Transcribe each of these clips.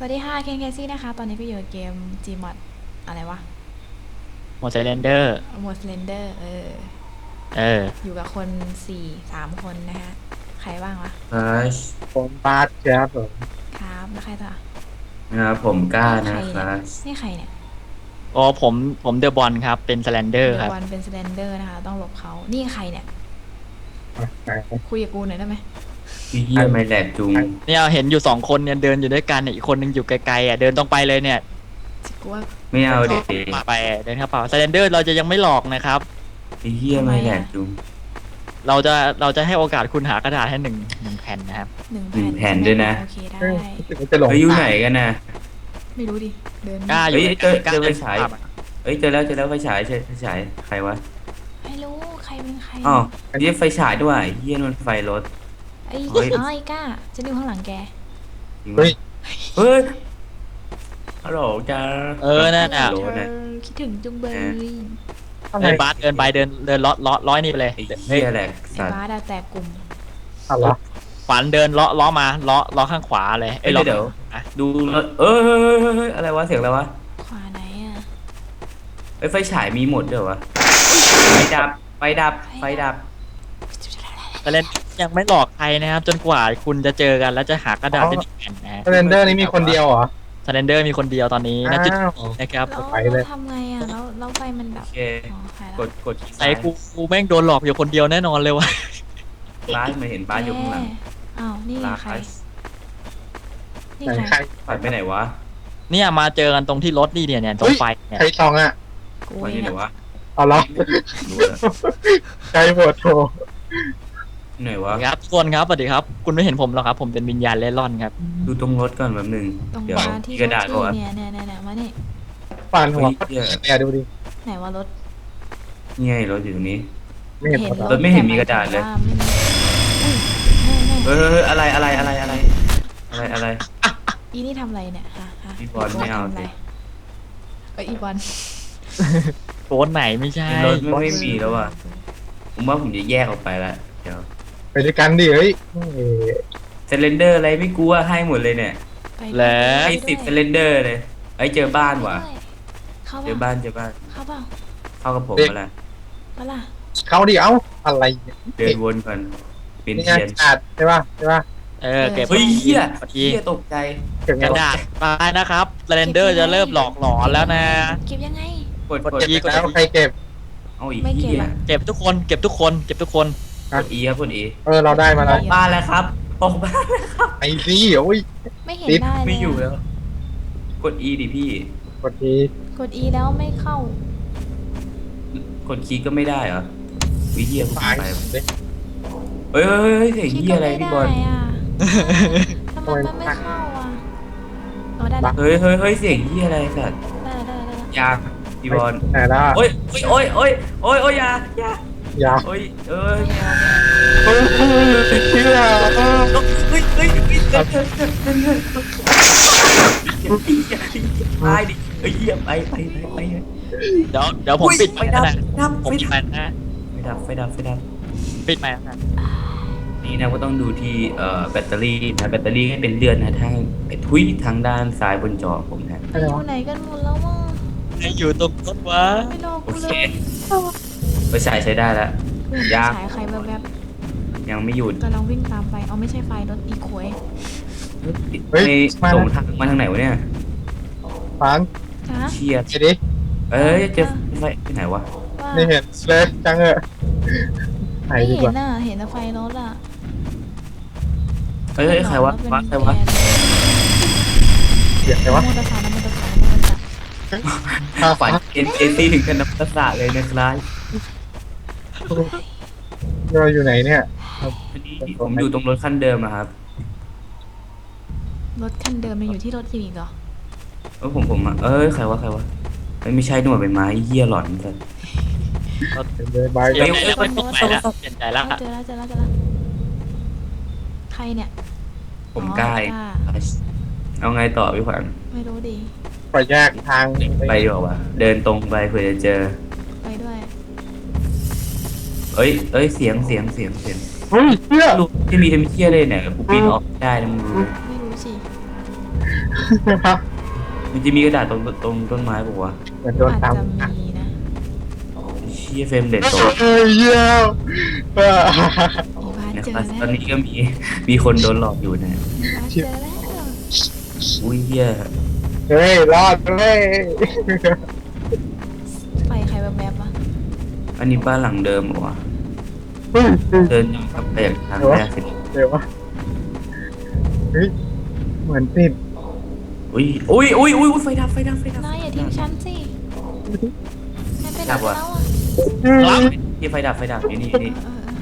วัสดีค่ะเคนเคซี่นะคะตอนนี้ก็อยู่เกม Gmod อะไรวะหมดไซเลนเดอร์หมด Slender เอออยู่กับคน3 คนนะคะใครบ้างวะครับผมบาสครับผมครับแล้วใครต่อนะครับผมกล้านี่ใคนะรเนี่ยครับนี่ใครเนี่ยอ๋อผมเดอะบอลครับเป็นไซเลนเดอร์เดอะครับวันเป็น Slender นะคะต้องหลบเขานี่ใครเนี่ยไหนคุยกับกูหน่อยได้ไหมพี่เฮียไม่แหลกจุงเนี่ยเห็นอยู่2 คนเนี่ยเดินอยู่ด้วยกันเนี่ยอีกคนนึงอยู่ไกลๆอ่ะเดินตรงไปเลยเนี่ยกูว่าไม่เอาเด็กมาไปเดินเข้าเปล่าไซเลนเดอร์เราจะยังไม่หลอกนะครับพี่เฮียไม่แหลกจุงเราจะให้โอกาสคุณหากระดาษให้หนึ่งแผ่นนะครับ 1 แผ่นแผ่นด้วยนะโอเคได้รู้สึกว่าจะหลงเฮ้ยอยู่ไหนกันนะไม่รู้ดิเดินกล้าอยู่เฮ้ยเจอกล้าเจอไฟเดินฉายภาพอะเอ้ยเจอแล้วไฟฉายไฟฉายใครวะไม่รู้ใครเป็นใครอ๋ออันนี้ไฟฉายด้วยเฮียนนไฟรถไอ้เฮ้ยอ๋อไอ้ก้าฉันอยู่ข้างหลังแกจริงไหมเฮ้ยเฮ้ยฮัลโหลจ้านั่นน่ะฮัลโหลเธนะอคิดถึงจุงเบยไอ้บาสเดินไปเดินร้อยนี่ไปเลยไอ้เฮียแหลกไอ้สัตว์บ้าดาแตกกลุ่มอะไรวะฝันเดินล้อมาล้อข้างขวาเลยเอ้ยล้อเดี๋ยวอ่ะดูรถเฮ้ยอะไรวะเสียงอะไรวะขวาไหนอ่ะเอ้ยไฟฉายมีหมดเดี๋ยววะไฟดับไฟดับไฟดับไซเลนยังไม่หลอกใครนะครับ จนกว่าคุณจะเจอกันแล้วจะหากระดาษเป็นหนึ่งแผ่นนะฮะเรนเดอร์นี่มีคนเดียวเหรอไซเลนเดอร์มีคนเดียวตอนนี้นะจุดอ้าวนะครับแล้วไปเลยเราทำไงอ่ะแล้วไฟมันดับโอเคอ๋อใครละกดที่ไอ้กูแม่งโดนหลอกอยู่คนเดียวแน่นอนเลยวะบ้านมาเห็นบ้านอยู่ข้างหลังอ้าวนี่ลาใครคัสนี่ไหนใครใครผ่านไปไหนวะเนี่ยมาเจอกันตรงที่รถนี่เนี่ยตรงไฟเนี่ยใครซองอ่ะกูผ่านเอที่งไหนอะวะเอาเหรอรู้แล้วใครโหวตโทรไหนวะครับทุกคนครับสวัสดีครับ คุณไม่เห็นผมหรอกครับ ผมเป็นวิญญาณเล่ร่อนครับดูตรงรถก่อนแบบหนึ่งตรงเดี๋ยวบ้านที่มีกระดาษรก่อถนเนี่ยมานี่ปานหัวเฮ้ยเนี่ยดูดิไหนว่ารถนี่ไงรถอยู่ตรงนี้ไม่เห็นเห็นหมดรเหรถอไม่เห็นมีกระดาษเลยแต่ไม่มีอุ้ยแม่เฮ้ยอะไรอีนี่ทำอะไรเนี่ยฮะพี่บอลไม่เอาสิทำะรอีบอลโกนไหนไม่ใช่รถไม่มีแล้วอ่ะผมว่าผมจะแยกออกไปละเดี๋ยวไปด้วยกันดิเฮ้ยเซเลนเดอร์อะไรไม่กลัวให้หมดเลยเนี่ยไปแล้วให้10เซเลนเดอร์เลยไอ้ยเจอบ้านว่ะเข้าเจอเปล่าบ้านเจอบ้านเข้าเปล่าเข้ากับผมมาละปะล่ะเขาดิเอ้าอะไรเนี่ยเดินวนก่อนเป็นนี่ไงเทียนขาดใช่ป่ะใช่ป่ะเก็บเฮ้ยเฮียพอดีเฮียตกใจเก่งกระแล้วดาษไปนะครับไซเลนเดอร์จะเริ่มหลอกหลอนแล้วนะเก็บยังไงกดเก็บแล้วใครเก็บเอาอีกไม่เก็บเฮียอะเก็บทุกคนเก็บทุกคนเก็บทุกคนกด E ครับกด E เราได้มาแล้วบ้านแล้วครับออกบ้านไอ้ซี่โอ้ยไม่เห็นติดได้เลยไม่อยู่แล้ว กด E ดิพี่กดทีกด E แล้วไม่เข้ากดคลิกก็ไม่ได้เหรอวิเฮียกูตายไปเลยเฮ้ยเสียงเฮียอะไรพี่บอลคลิกก็ไม่ได้อะทำไมมันไม่เข้าอ่ะอ๋อได้ละเฮ้ยเสียงเฮียอะไรสัตว์ได้ละยากพี่บอลไหนล่ะโอ้ยอย่าอย่าโอ้ยเฮ้ยเชื่อตายดิเฮ้ยเฮียไปเดี๋ยวผมปิดไฟดันะดับผมปิดไฟนะไฟดับปิดไฟนะนี่นะก็ต้องดูที่แบตเตอรี่นะแบตเตอรี่ให้เป็นเลือนนะทางทุยทางด้านซ้ายบนจอผมนะไปอยู่ไหนกันหมดแล้วอ่ะไอ้อยู่ตรงต้นวะไม่รอโอกูเคเลยไปใช้ได้แล้ว ยากฉายใครแวบยังไม่หยุดๆกำลังวิ่งตามไปเอาไม่ใช่ไฟรถอีโคยในส่งทางมาทางไหนวะเนี่ยฟานจ้าเชียร์ไปดิเจอไฟที่ไหนวะว่าไม่เห็นเลยจังเหอะไหนไม่ดีกเห็ว่านอ่ะเห็นแต่ไฟรถอ่ะใครวะใครวะเสียงไงวะมอเตอร์ไซค์ข้าฝัฝันนเอ็นเอซีถึงกันนับภาษาเลยนะครับเราอยู่ไหนเนี่ยวันนี้ผมอยู่ตรงรถคันเดิมอะครับรถคันเดิมมันอยู่ที่รถอยู่อีกเหรอผมอะใครวะไม่ใช่หน่วยเป็นไม้เหี้ยหลอนสัสเลยบายเดี๋ยวไม่ปิดไฟแล้วเปลี่ยนใจแล้วเจอแล้วใครเนี่ยผมกล้าเอาไงต่อพี่ขวัญไม่รู้ดิไปแยกทางไปดีกว่าเดินตรงไปเผื่อจะเจอไปด้วยเอ้ยเสียงเฮ้ยเชื่อลูกที่มีทำเชี่ยเลยเนี่ยกูปีนออกได้นะมึงรู้ไหมไม่รู้สิมันจะมีกระดาษตรงต้นไม้ปะวะเหมือนโดนอาจตามจะมีนะเชี่ยเฟรมเด็ดตกเฮ้ยเยี่ยมอีวานะเจอครับแล้วตอนนี้ก็มีคนโดนหลอกอยู่นะอีวาเจอแล้วอุ้ยเหี้ยเฮ้ยรอดเลยไฟใครแบบแบบวะอันนี้บ้านหลังเดิมเหรอวะเฮ้ยเดินกลับไปจากทางแรกสิเดี๋ยววะเฮ้ยเหมือนติดอุ้ยไฟดับนายอย่าทิ้งฉันสินายไปไหนดับแล้วว่ะอ่ะที่ไฟดับอยู่นี่เออ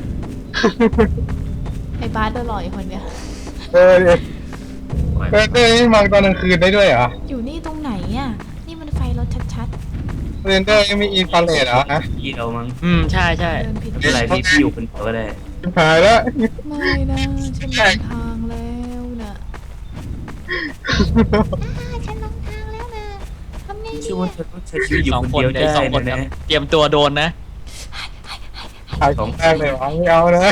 ไอ้บาสโดนหลอกอีกคนเนี้ยเออนี่มองตอนกลางคืนได้ด้วยเหรออยู่นี่ตรงไหนอ่ะ นี่มันไฟรถชัดเรนเดอร์ยังมีอินฟราเรดเหรอฮะพี่เรามั้งใช่ใช่ๆ เดินผิดไม่เป็นไรพี่อยู่คนเดียวก็ได้ชิบหายแล้วไม่นะฉันหลงทางแล้วนะฉันหลงทางแล้วนะทำไงดีชื่อว่าอะเธอต้องใช้ชีวิตอยู่สองคนคนเดียวได้ได้สองคนนะเตรียมตัวโดนนะขายของแรกเลยวะไม่เอานะ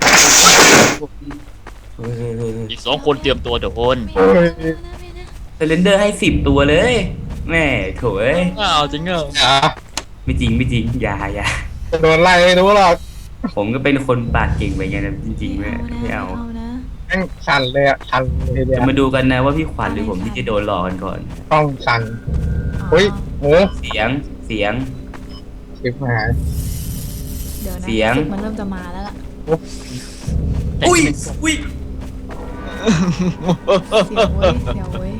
อีก2 คนเตรียมตัวโดนไม่เอานะไม่นะเซเลนเดอร์ให้10 ตัวเลยแม่โถเอ้ยอ้าวจริงเหรออย่าไม่จริงอย่าจะโดนไล่ไม่รู้หรอกผมก็เป็นคนปากเก่งไปไงนะจริงๆไม่เอานะแม่งสั่นเลยอ่ะสั่นเลยเดียจะวมาดูกันนะว่าพี่ขวัญหรือผมที่จะโดนหลอกกันก่อนต้องสั่นเฮ้ยโหเสียงชิบหายเดี๋ยวนะเสียงรู้สึกมันเริ่มจะมาแล้วล่ะอุ้ยเสียงเว้ย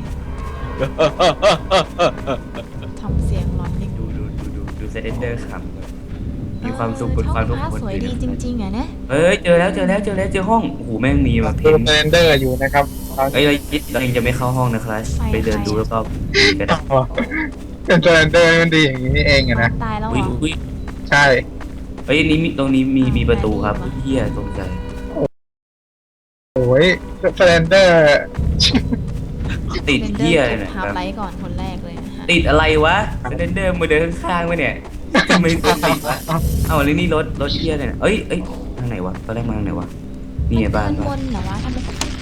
ทำเสียงหลอนดิดูเซเลนเดอร์ขำมีความสุขบนความทุกข์ท้องคนฟ้าสวยดีจริงๆอ่ะนะเฮ้ยเจอแล้วเจอห้องโอ้โหแม่งมีมาเพดูนเรนเดอร์อยู่นะครับตอนเอ้ยเรายังจะไม่เข้าห้องนะครับไปเดินดูแล้วก็กระดาษเป็นเรนเดอร์มันดีอย่างนี้นี่เองอะนะตายแล้วเหรออุ้ยใช่เฮ้ยตรงนี้มีประตูครับเฮียตรงใจโอ้ยเรนเดอร์ติดเรนเดอเฮียร์เลยเก็บนะฮาร์ปไลท์ก่อนคนแรกเลยนะฮะติดอะไรวะเซเลนเดอร์มาเดินข้างๆมาเนี่ยทำไมติดวะเอาแล้วนี่รถเฮียเลยนะเอ้ยทางไหนวะตอนแรกมาทางไหนวะนี่ไงบ้านมันวนเหรอวะทำไม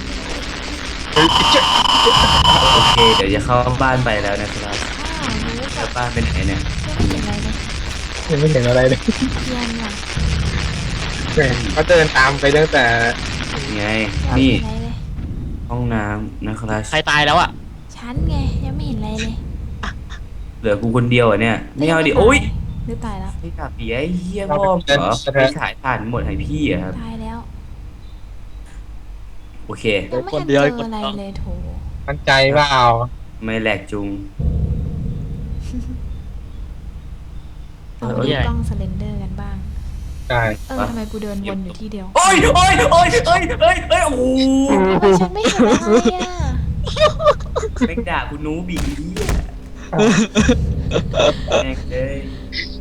โอเคเดี๋ยวจะเข้าบ้านไปแล้วนะครับรู้แล้วบ้านเป็นไหนเนี่ยไม่เห็นอะไรเลยยังไม่เห็นอะไรเลยเทียนว่ะเขาเดินตามไปตั้งแต่ไงยังไม่นี่เห็นอะไรเลยห้องน้ำนะครับใครตายแล้วอ่ะฉันไงยังไม่เห็นอะไรเลยเหลือกูคนเดียวอ่ะเนี่ยไม่เอาดิโอ้ยหรือตายแล้วไม่กลับดิไอ้เหี้ยพ่อมเหรอไปฉายผ่านหมดให้พี่อะครับตายแล้วโอเคยังไม่ทันเจออะไรเลยโถมันใจเปล่าไม่แหลกจุงเอาดูกล้องสเลนเดอร์กันบ้างใช่ทำไมกูเดินวนอยู่ที่เดียวโอ้ยโอ้โหทำไมฉันไม่เห็นอะไรอ่ะแม่งด่ากูนูบีเหี้ยแม่งเลย